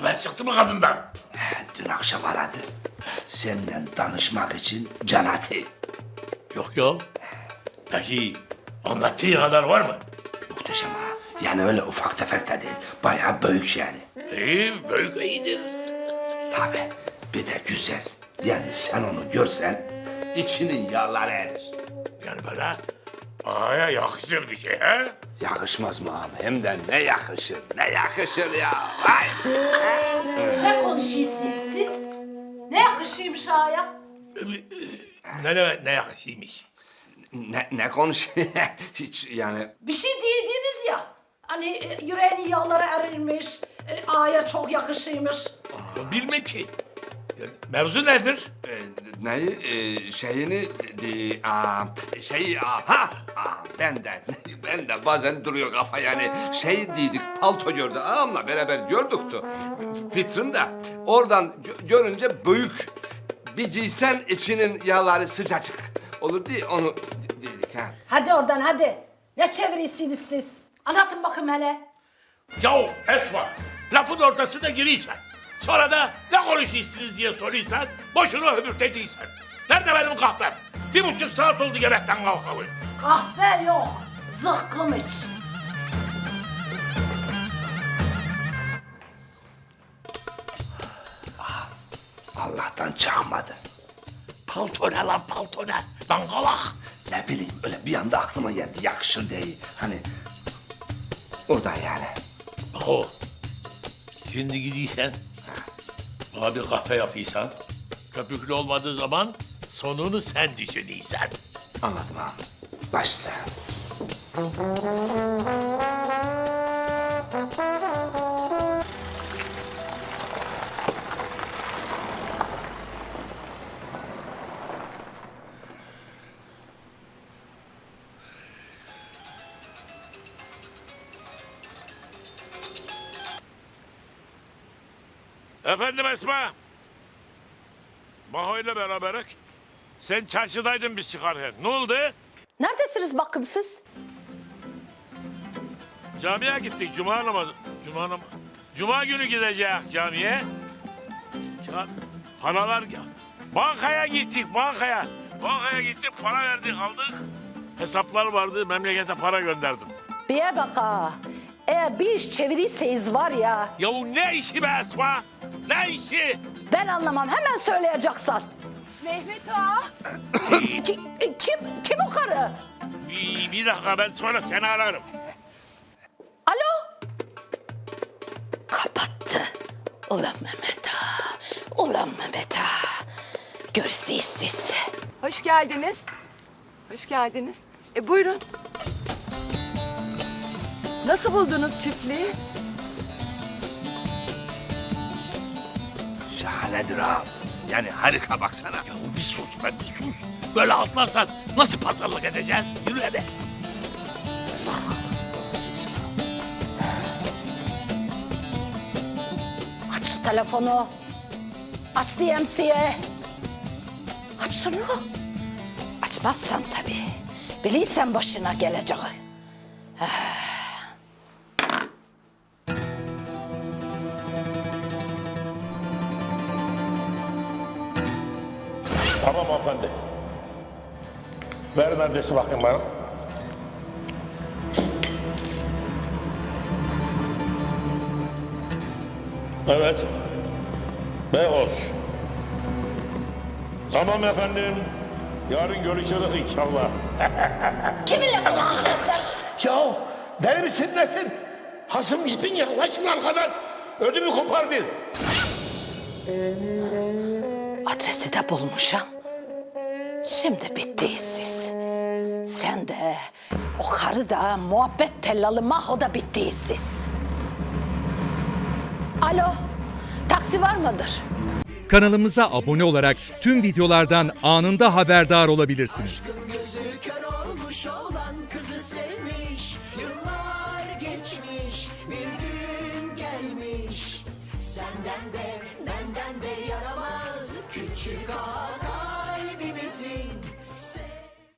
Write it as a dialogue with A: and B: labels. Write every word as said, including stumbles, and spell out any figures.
A: Haber çıktı mı kadından?
B: He, dün akşam aradı. Seninle danışmak için can atı.
A: Yok ya. Peki anlattığı kadar var mı?
B: Muhteşem ha. Yani öyle ufak tefek de değil. Bayağı büyük yani.
A: İyi, büyük iyidir.
B: Tabii. Bir de güzel. Yani sen onu görsen içinin yağları erir.
A: Yani böyle ağaya yakışır bir şey ha?
B: Yakışmaz mı abi? Hem de ne yakışır, ne yakışır ya. Vay.
C: Ne konuşuyorsunuz siz? Ne yakışıymış ağaya?
A: Ne ne, ne yakışıymış?
B: Ne, ne konuşuyor? Hiç yani...
C: Bir şey dediğiniz ya. Hani e, yüreğinin yağları erirmiş, e, ağaya çok yakışıymış.
A: Ya bilmem ki. Yani mevzu nedir?
B: E, neyi? E, şeyini... De, aa, şey... Aa, ha! Aa, ben de... Ben de bazen duruyor kafa yani. Şey dedik, palto gördü. Ağamla beraber gördüktü. Fitrin de. Oradan gö- görünce büyük. Bir giysen içinin yağları sıcacık. Olur diye onu de- dedik ha.
C: Hadi oradan hadi. Ne çeviriyorsunuz siz? Anlatın bakın hele.
A: Yahu Esma, lafın ortasına giriysen. Sonra da ne konuşuyorsunuz diye soruyorsan, boşuna höbürteceksen. Nerede benim kahvem? Bir buçuk saat oldu yemekten kalkalı.
C: Kahve yok, zıkkım iç.
B: Allah'tan çakmadı.
A: Palto ne lan palto ne? Dangalak.
B: Ne bileyim öyle bir anda aklıma geldi. Yakışır diye. Hani... Oradan yani.
A: Oho. Şimdi gidiysen, bana bir kahve yapıysan, köpüklü olmadığı zaman sonunu sen düşünüyorsun.
B: Anladım abi. Başla.
A: Efendim Esma. Maho ile beraberek. Sen çarşıdaydın biz çıkarken. Ne oldu?
C: Neredesiniz bakımsız?
A: Camiye gittik. Cuma namazı. Cuma namazı. Cuma günü gideceğiz camiye. Ya, paralar ya. Bankaya gittik bankaya. Bankaya gittik para verdik aldık. Hesaplar vardı memlekete para gönderdim.
C: Bir bak ha. Eğer bir iş çevirirseniz var ya,
A: Yahu ne işi be Esma? Ne işi?
C: ben anlamam, hemen söyleyeceksin.
D: Mehmet ağa.
C: Ki- kim, kim o karı?
A: Bir, bir dakika ben sonra seni ararım.
C: Alo? Kapattı. Ulan Mehmet ağa, ulan Mehmet ağa. Görüşürüz siz.
D: Hoş geldiniz. Hoş geldiniz. E buyurun. Nasıl buldunuz çiftliği?
B: Şahanedir abi. Yani harika baksana.
A: Ya bir sus be bir sus. Böyle atlarsan nasıl pazarlık edeceğiz? Yürü hadi.
C: Aç şu telefonu. Aç D M C'ye. Aç şunu. Açmazsan tabii. Bilirsen başına geleceği.
A: Tamam hanımefendi. Verin adresi bakayım bana. Evet. Beykoz. Tamam efendim. Yarın görüşürüz inşallah.
C: Kiminle konuşuyorsun sen?
A: Ya deli misin nesin? Hasım gittin yaklaşın arkadan. Ödümü kopardın.
C: Adresi de bulmuşum. Şimdi bittiyiz siz. Sen de, o karı da, muhabbet tellalı Maho da bittiyiz siz. Alo, taksi var mıdır?
E: Kanalımıza abone olarak tüm videolardan anında haberdar olabilirsiniz.
F: Gözü kör olmuş olan kızı sevmiş. Yıllar geçmiş, bir gün gelmiş. Senden de benden de yaramaz küçük ağa kalbimizin.